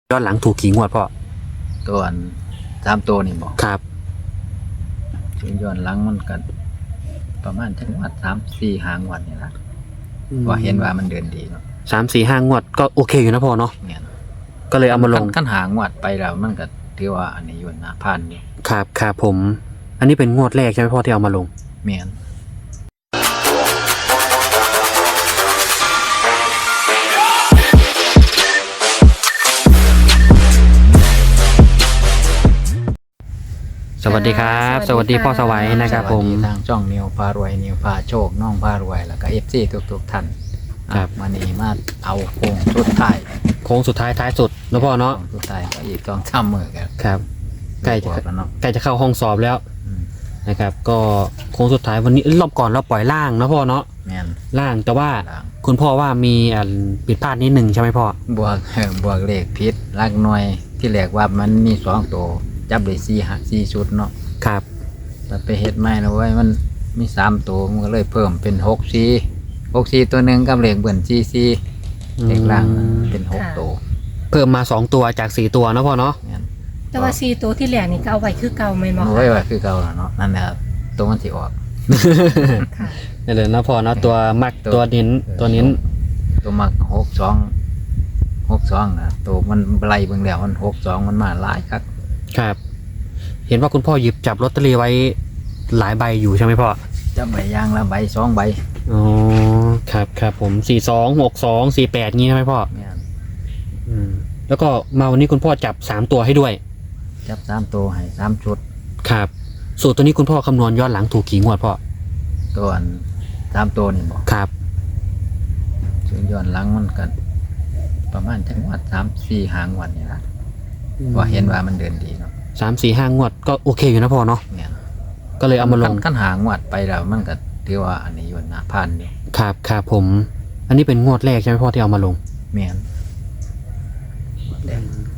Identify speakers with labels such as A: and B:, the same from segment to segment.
A: ย้อนหลังถูกกี่งวดพ่อ
B: ตัวอัน3 ตัวนี่บอก
A: ครับ
B: ย้อนหลังมันกันประมาณจังหวัด3-4 หางวดนี่ละว่าเห็นว่ามันเดินดีเนาะ
A: 3-4-5 งวดก็โอเคอยู่นะพ่อเนาะ
B: เนี่ย
A: ก็เลยเอามาลง
B: ขั้นหางวดไปแล้วมันก็ถือว่าอันนี้อยู่นะผ่านอยู่
A: ครับผมอันนี้เป็นงวดแรกใช่ไหมพ่อที่เอามาลง
B: เมียน
A: สวัสดีครับสวัสดีพ่อสวัยนะครับผม
B: ทางช่องนิวพารวยนิวพาโชคน้องพารวยแล้วก็FCทุกท่านครับมานี่มาเอาโค้งสุดท้าย
A: ท้ายสุดนะพ่อเนาะ
B: สุดท้ายก็อีก2-3 มื้อ
A: ครับใกล้จะเข้าห้องสอบแล้วนะครับก็โค้งสุดท้ายวันนี้รอบก่อนเราปล่อยล่างนะพ่อเนาะล่างแต่ว่าคุณพ่อว่ามีผิดพลาดนิดนึงใช่ไหมพ่อบ
B: วกเลขผิดลักหน่วยที่แรกว่ามันมี2 ตัวจับได้4ชุดเนาะ
A: ครับ
B: แต่ไปเฮ็ดใหม่แล้วเว้ยมันมี3 ตัวมันก็เลยเพิ่มเป็น6-4ตัวนึงกับเลขเบิ่น4เลขล่างเป็น6 ตัว
A: เพิ่มมา2 ตัวจาก4 ตัวนะพ่อเนาะ
C: แต่ว่า4 ตัวที่แรกนี่ก็เอาไว้คือเก่าไหมหมอ
B: ไว้คือเก่าเนาะนั่นแหละตัวมันสิออก
A: นี่เลยนะพ่อเนาะตัวมักตัวนิ้น
B: ตัวมัก62นะตัวมันไล่เบิ่งแล้วมัน62มันมาหลาย
A: ครับเห็นว่าคุณพ่อหยิบจับลอตเตอรี่ไว้หลายใบอยู่ใช่ไหมพ่อ
B: จับใบย่างละใบ2 ใบ
A: อ๋อครับผม426248งี้ใช่ไหมพ่อแล้วก็มาวันนี้คุณพ่อจับ3 ตัวให้ด้วย
B: จับ3 ตัวให้3 ชุด
A: ครับสูตรตัวนี้คุณพ่อคำนวณย้อนหลังถูกกี่งวดพ่อ
B: ตัว3 ตัวนี่บอก
A: ครับ
B: ส่วนย้อนหลังมันกันประมาณจังหวัด3-4 หางวดนี่ละว่าเห็นว่ามันเดินดีเนาะ
A: 3-4-5 งวดก็โอเคอยู่นะพ่อเนาะก็เลยเอามาลง
B: ขั้นหางวดไปแล้วมันก็ถือว่าอันนี้อยู่นะผ่านอยู่
A: ครับผมอันนี้เป็นงวดแรกใช่ไหมพ่อที่เอามาลง
B: เมียนแร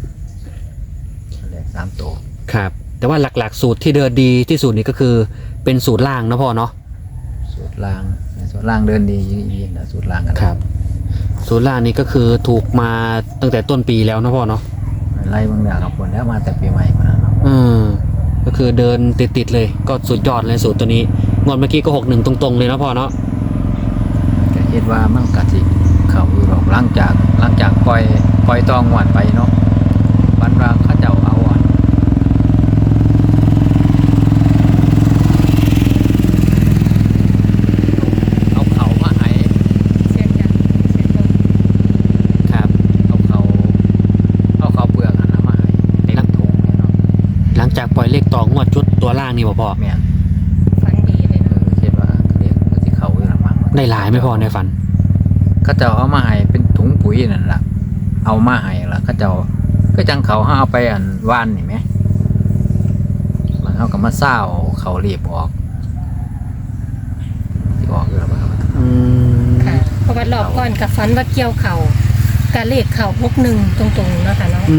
B: ก3 ตัว
A: ครับแต่ว่าหลักๆสูตรที่เดินดีที่สุดนี่ก็คือเป็นสูตรล่างนะพ่อเนาะ
B: สูตรล่างเดินดียิ่งนะสูตรล่างกัน
A: ครับสูตรล่างนี่ก็คือถูกมาตั้งแต่ต้นปีแล้วนะพ่อเนาะ
B: ไล่บางอย่างกับผลแล้วมาแต่ปีใหม่มาเนาะ
A: ก็คือเดินติดเลยก็สุดยอดเลยสูตรตัวนี้งวดเมื่อกี้ก็61ตรงๆเลยนะพ่อเนาะ
B: ก็คิดว่ามันกะสิเข้าอยู่หรอกหลังจากปล่อยตองงวดไปเนาะวันว่าเขาเจ้าเอาเขามาให้ครับเอาเขาเปลือกนะมาให้ลังถุงเนาะ
A: หลังจากปล่อยเลขต่องวดชุดตัวล่างนี่พ่อ
B: แม่น
C: ฝันดีเลยนะ
B: คิดว่าเรียกสิเขาอยู่หลังมั้ง
A: ได้หลายไม่พอในฝัน
B: เขาเจ้าเอามาให้เป็นถุงปุ๋ยนั่นล่ะเอามาให้ล่ะเขาเจ้าก็จังเขาเอาไปว่านนี่ไหมมันเขาก็มาเศร้าเขารีบออกที่ออกอยู่แล้ว
C: ค่ะเพราะว่ารอบก่อนกับฝันว่าเกี่ยวเข่ากะเลขเข่า61ตรงๆนะคะเนาะ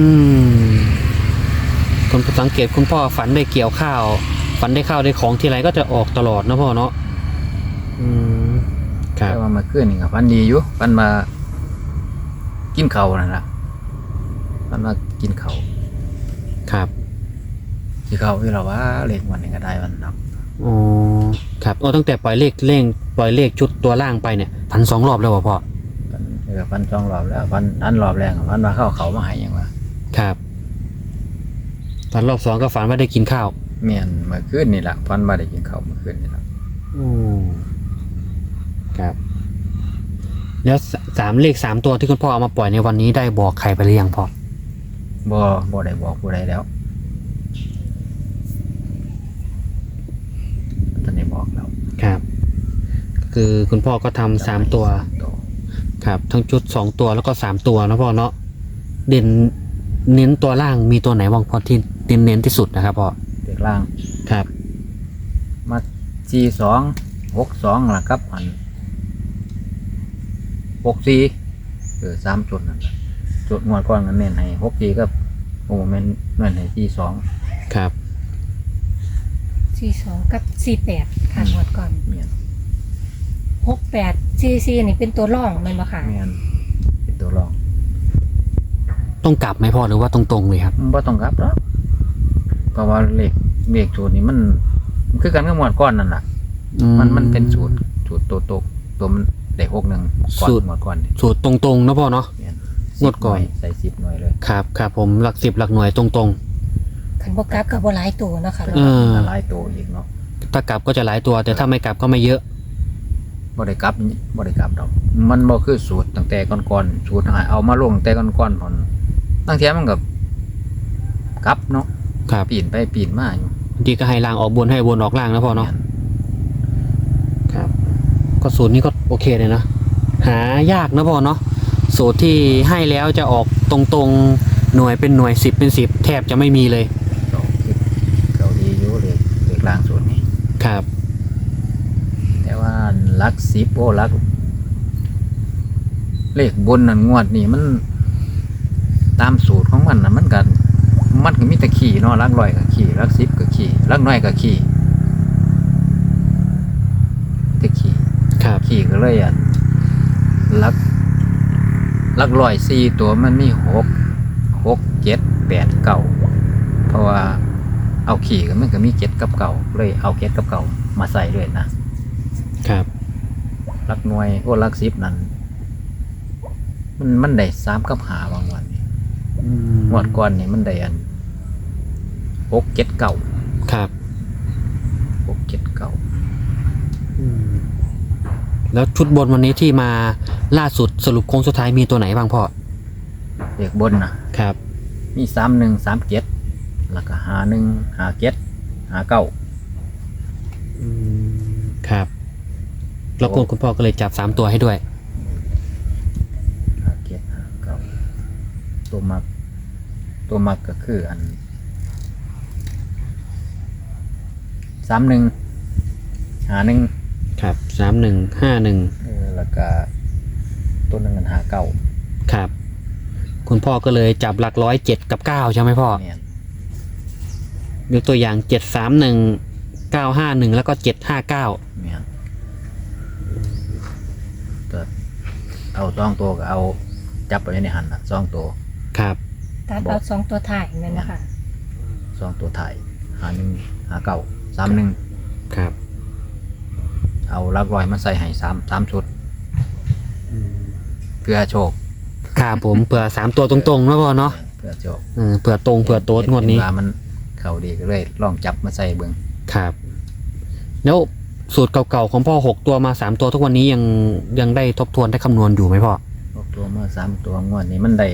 A: คนสังเกตคุณพ่อฝันได้เกี่ยวข้าวฝันได้ข้าวได้ของทีไรก็จะออกตลอดนะพ่อเนาะ
B: ครับแต่ว่ามาขึ้นนี่กับฝันดีอยู่ฝันมากินเขานั่นแหละฝันมากินเขา
A: ครับ
B: ที่เขาที่เราว่าเลขวันนี้ก็ได้วันนับ
A: ครับตั้งแต่ปล่อยเลขชุดตัวล่างไปเนี่ยฝัน2 รอบแล้วพ่อ
B: ฝัน2 รอบแล้วฝันนั้นรอบแรกฝันว่าเขามาให้ยังวะ
A: ครับฝันรอบ2ก็ฝันว่าได้กินข้าว
B: เมียนเมื่อคืนนี่แหละฝันว่าได้กินข้าวเมื่อคืนนี่แหละ
A: ครับแล้วเลข 3 ตัวที่คุณพ่อเอามาปล่อยในวันนี้ได้บอกใครไปหรือยังพ่อ
B: บ่ได้บอกผู้ใดแล้วตอนนี้บอกแล้ว
A: ครับคือคุณพ่อก็ทำ3 ตัวครับทั้งชุด2 ตัวแล้วก็3 ตัวนะพ่อเนาะเด่นเน้นตัวล่างมีตัวไหนบ้างพ่อที่เน้นที่สุดนะครับพ่อ
B: เด็กล่าง
A: ครับ
B: มา4262ล่ะครับ64 3 จุดนั่นแหละจุดงวดก่อนกันเน้นให้64ก็แม่นเน้นให้42
A: ครับ
C: 42กับ48ค่ะงวดก่อน68 44นี่เป็นตัวรองแม่นบ่ค่ะ
B: แม่นเป็นตัวรอง
A: ต้องกลับไหมพ่อหรือว่าตรงๆเลยครับ
B: บ่ต้องกลับหรอกเพราะว่าเลขสูตรนี้มันคือกันกับหมวดก้อนนั่นแหละมันเป็นสูตรตัวมันได้6 1ก่อนหมวดก้อนนี่
A: สูตรตรงๆนะพ่อเนาะ
B: เนี่ย
A: งวดก่อน
B: ใส่10 หน่วยเลย
A: ครับผมหลัก10หลักหน่วยตรง
C: คันบ่กลับก็บ่หลายตัวเนาะค่ะ
B: หลายตัวอีกเนาะ
A: ๆถ้ากลับก็จะหลายตัวแต่ถ้าไม่กลับก็ไม่เยอะ
B: บ่ได้กลับดอกมันบ่คือสูตรตั้งแต่ก่อนๆสูตรเอามาลงแต่ก่อนๆพอนตั้งแต่มันก็กลับเนาะ
A: ครับ
B: ปีนไปปีนมาอยู่
A: บางทีก็ให้ล่างออกบนให้บนออกล่างนะพ่อเนาะครับก็สูตรนี้ก็โอเคเลยนะหายากนะพ่อเนาะสูตรที่ให้แล้วจะออกตรงๆหน่วยเป็นหน่วย10เป็น10แทบจะไม่มีเลย
B: เขาดีอยู่เลขล่างสูตรนี้
A: ครับ
B: แต่ว่าหลัก10หลักเลขบนนั่นงวดนี่มันตามสูตรของมันนะมันก็มีแต่ขี่เนาะหลักร้อยก็ขี่หลัก10ก็ขี่หลักน้อยก็ขี่แต่ขี่
A: ครับ
B: ขี่ก็เลยหลักร้อย4ตัวมันมี6 7 8 9เพราะว่าเอาขี่ก็มันก็มี7กับเก่าเลยเอา7กับเก่ามาใส่ด้วยนะครับหลักหน่วยหลัก10นั่นมันได้3กับ5บางวันนี่งวดก่อนนี่มันได้6 7 9
A: ครับ
B: 6 7 9
A: แล้วชุดบนวันนี้ที่มาล่าสุดสรุปโค้งสุดท้ายมีตัวไหนบ้างพ่อ
B: เลขบนนะครับ มี31 37แล้วก็51 57 59
A: ครับแล้วคุณพ่อก็เลยจับ3ตัวให้ด้วย
B: 57 59ตัวมักก็คือ31 51
A: ครับ3151
B: แล้วก็ตัวนึงกัน59
A: ครับคุณพ่อก็เลยจับหลัก7กับ9ใช่ไหมพ่อ
B: เนี่ย
A: ยกตัวอย่าง731 951แล้วก็759
B: เนี่ยก็เอา2ตัวก็เอาจับไปในหัน2ตัว
A: ครับ
C: ตัดเอา2ตัวถ่ายนั่นนะคะ
B: 2ตัวถ่าย51 59 31
A: ครับ
B: เอาหลักร้อยมาใส่ให้3ชุดเพื่อโชค
A: ครับผมเผื่อ3ตัวตรงๆนะพ่อเนาะ
B: เพื่อโชค
A: เผื่อตรงเผื่อโต๊ดงวดนี้
B: เห็ว่ามันเข้าดีก็เลยลองจับมาใส่เบิ่ง
A: ครับแล้วสูตรเก่าๆของพ่อ6ตัวมา3ตัวทุกวันนี้ยังได้ทบทวนได้คำนวณอยู่ไหมพ่อ
B: พวกตัวเมื่อ3ตัวงวดนี้มันได้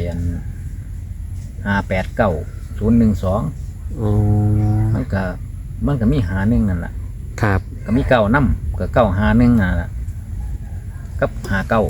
B: 589 012มันก็มี51นั่นแหละ
A: ครับ
B: ก็มี9นำก็951นั่นแหละกับ59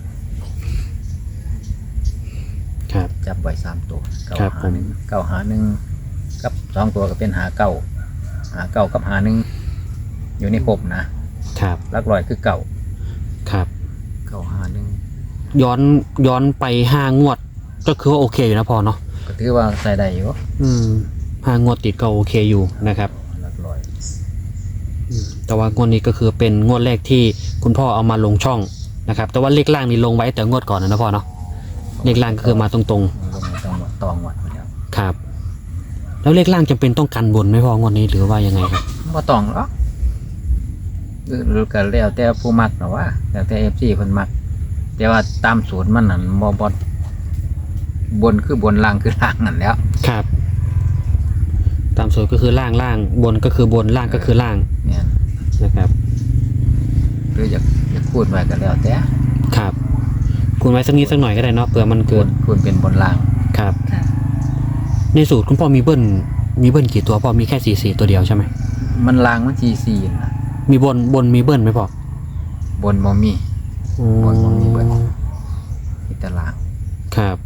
A: ครับ
B: จับไว้3ตัว
A: ครับผม
B: 951กับ2ตัวก็เป็น59กับ51อยู่ในครบนะครับหลักร้อยคือเก่า
A: ครับ
B: 951
A: ย้อนไป5 งวดก็คือว่าโอเคอยู่นะพ่อเนาะ
B: ก็ถือว่าใส่ได้อยู่
A: 5 งวดติดก็โอเคอยู่นะครับ
B: หลักร้อย
A: แต่ว่างวดนี้ก็คือเป็นงวดแรกที่คุณพ่อเอามาลงช่องนะครับ แต่ว่าเลขล่างนี่ลงไว้แต่งวดก่อนนะพ่อเนาะเลขล่างก็คือมาตรง
B: ลงตองวัดมาแล้ว
A: ๆครับ แล้วเลขล่างจำเป็นต้องกันบนไหมพ่องวดนี้หรือว่ายังไงครับ
B: บ่ต้องหรอกหรือก็แล้วแต่ผู้มักเนาะว่าแล้วแต่ FC เพิ่นมักแต่ว่าตามสูตรมันนั่นบ่บนคือบนล่างคือล่างนั่นแหล้ว
A: ครับ ตามสูตรก็คือล่างบนก็คือบนล่างก็คือล่าง
B: เนี่ย
A: นะครับ
B: หรืออยากพูดไว้ก็แล้วแต่
A: ครับคุณไว้สักนิดสักหน่อยก็ได้เนาะเผื่อมันเกิด
B: คูณเป็นบนล่าง
A: ครับ
C: ค่ะ
A: ในสูตรคุณพ่อมีเบิ้ลกี่ตัวพ่อมีแค่4ตัวเดียวใช่ไหม
B: มันล่างมัน44น่ะ
A: มีบนมีเบิ้ลไหมพ่อบ
B: นบ่มี บนบ่มีเบิ้ล มีแต่ล่าง
A: ครับ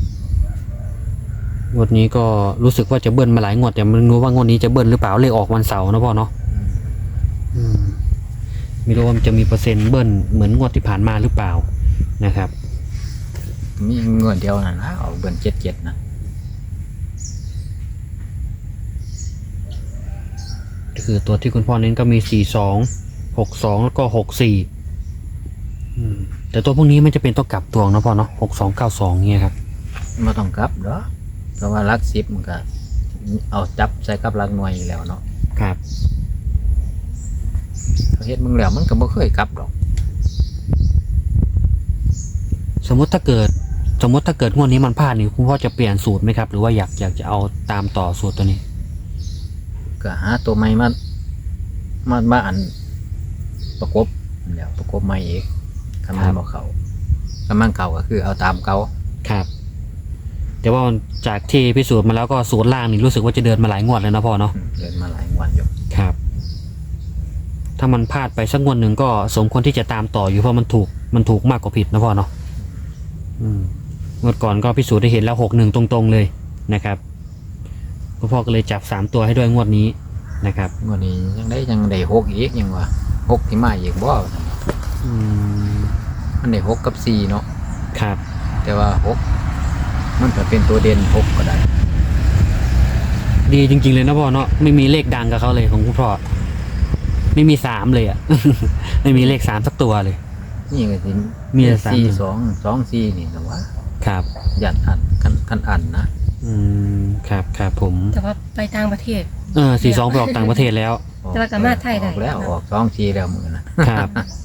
A: งวดนี้ก็รู้สึกว่าจะเบิ้ลมาหลายงวดแต่ไม่รู้ว่างวดนี้จะเบิ้ลหรือเปล่าเลขออกวันเสาร์นะพ่อเนาะไม่รู้ว่ามันจะมีเปอร์เซ็นต์เบิ้ลเหมือนงวดที่ผ่านมาหรือเปล่านะครับ
B: มีเงินเดียวนั่นนะเอาเบิ้ล77นะ
A: ก็คือตัวที่คุณพ่อเน้นก็มี42 62แล้วก็64แต่ตัวพวกนี้มันจะเป็นตัวกลับตัวนะพ่อเนาะ6292เงี้ยครับ
B: ไม่ต้องกลับหรอกเพราะว่าหลักสิบมันก็เอาจับใส่กับหลักหน่วยอยู่แล้วเนาะ
A: ครับ
B: เขาเฮ็ดมึงแล้วมันก็บ่เคยกลับหรอก
A: สมมติถ้าเกิดงวดนี้มันพลาดนี่คุณพ่อจะเปลี่ยนสูตรไหมครับ หรือว่าอยากจะเอาตามต่อสูตรตัวนี้
B: ก็หาตัวใหม่มาอันประกบนั่นแหล้วประกบใหม่อีกคำนั้นบ่เขาคำนั้นเก่าก็คือเอาตามเก่า
A: ครับ แต่ว่าจากที่พิสูจน์มาแล้วก็สูตรล่างนี่รู้สึกว่าจะเดินมาหลายงวดแล้วนะพ่อเนาะ
B: เดินมาหลายวันอยู่
A: ครับ ถ้ามันพลาดไปสักงวดหนึ่งก็สมควรที่จะตามต่ออยู่เพราะมันถูกมากกว่าผิดนะพ่อเนาะงวดก่อนก็พิสูจน์ได้เห็นแล้ว61ตรงๆเลยนะครับคุณพ่อก็เลยจับ3ตัวให้ด้วยงวดนี้นะครับ
B: วันนี้ยังได้หกอีกยังว่าหกที่มาอีกบ่ มันได้หกกับสี่เนาะ
A: ครับ
B: แต่ว่าหกมันก็เป็นตัวเด่นหกก็ได้
A: ดีจริงๆเลยนะพ่อเนาะไม่มีเลขดังกับเขาเลยของคุณพ่อไม่มี3เลยอ่ะ ไม่มีเลข3สักตัวเลย
B: นี่ก็สิ
A: มีแต่3
B: สี่สองสี่นี่แต่ว่า
A: ครับ
B: ยัดอันกันอันนะ
A: ครับผม
C: แต่ว่าไปต่างประเทศ
A: 42ไปออกต่างประเทศแล้ว
C: แต่ว่าก็มาไทยได้
B: ออกแล้วออกสองสี่แล้วมือนะครับ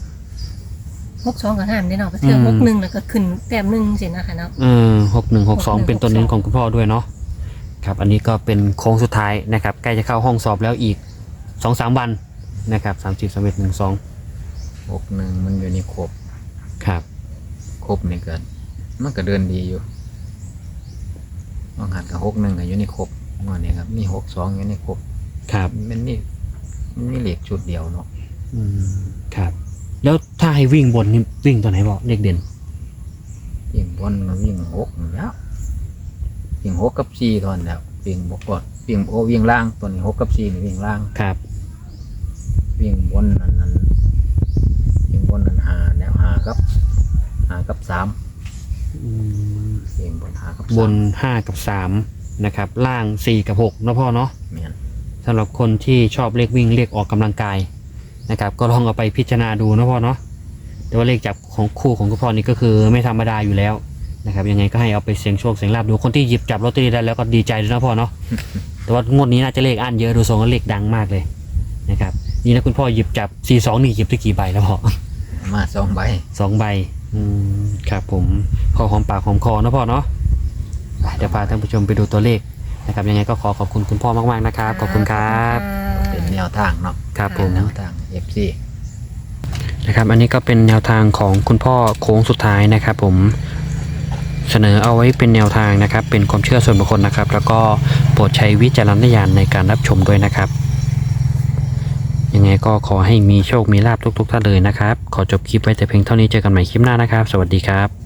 C: 62กับ5ได้เนาะเทื่อ61แล้วก็ขึ้นแต้ม1สินะคะเนาะ
A: 6162เป็นตัวเน้นของคุณพ่อด้วยเนาะครับอันนี้ก็เป็นโค้งสุดท้ายนะครับใกล้จะเข้าห้องสอบแล้วอีก 2-3 วันนะครับ30 31 12
B: หกหนึ่งมันอยู่ในครบ
A: ครับ
B: ครบนี่เกินมันก็เดินดีอยู่บางหันกับหกหนึ่งก็อยู่ในครบงอนนี้ครับมีหกสองอยู่ในครบ
A: ครับ
B: มันมีเหล็กชุดเดียวเนาะ
A: ครับแล้วถ้าให้วิ่งบนนี่วิ่งตัวไหนบอกเลขเด่น
B: วิ่งบนก็วิ่งหกแล้ววิ่งหกกับสี่ตอนแล้ววิ่งบกก่อนวิ่งล่างตัวนี้หกกับสี่นี่วิ่งล่าง
A: ครับ
B: วิ่งบนนั้นวิ่งบนนั้นหาแล้วหากับสามวิ่งบนหากับบ
A: น5กับ3นะครับล่าง4กับ6นะพ่อเนาะ
B: เมียน
A: สำหรับคนที่ชอบเลขวิ่งเลขออกกำลังกายนะครับก็ลองเอาไปพิจารณาดูนะพ่อเนาะแต่ว่าเลขจับของคู่ของคุณพ่อนี่ก็คือไม่ธรรมดาอยู่แล้วนะครับยังไงก็ให้เอาไปเสี่ยงโชคเสี่ยงลาภดูคนที่หยิบจับลอตเตอรี่ได้แล้วก็ดีใจด้วยนะพ่อเนาะ แต่ว่างวดนี้น่าจะเลขอันเยอะดูทรงแล้วเลขดังมากเลยนะครับนี่นะคุณพ่อหยิบจับ42นี่หยิบได้กี่ใบแล้วพ่อ
B: มาสองใบ
A: 2 ใบครับผมพอหอมปากหอมคอนะพ่อเนาะเดี๋ยวพาท่านผู้ชมไปดูตัวเลขนะครับยังไงก็ขอบคุณคุณพ่อมากๆนะครับขอบคุณครับ
B: เป็นแนวทางเนาะ
A: ครับผม
B: แนวทาง FC
A: นะครับอันนี้ก็เป็นแนวทางของคุณพ่อโค้งสุดท้ายนะครับผมเสนอเอาไว้เป็นแนวทางนะครับเป็นความเชื่อส่วนบุคคลนะครับแล้วก็โปรดใช้วิจารณญาณในการรับชมด้วยนะครับยังไงก็ขอให้มีโชคมีลาภทุกๆท่านเลยนะครับขอจบคลิปไว้แต่เพียงเท่านี้เจอกันใหม่คลิปหน้านะครับสวัสดีครับ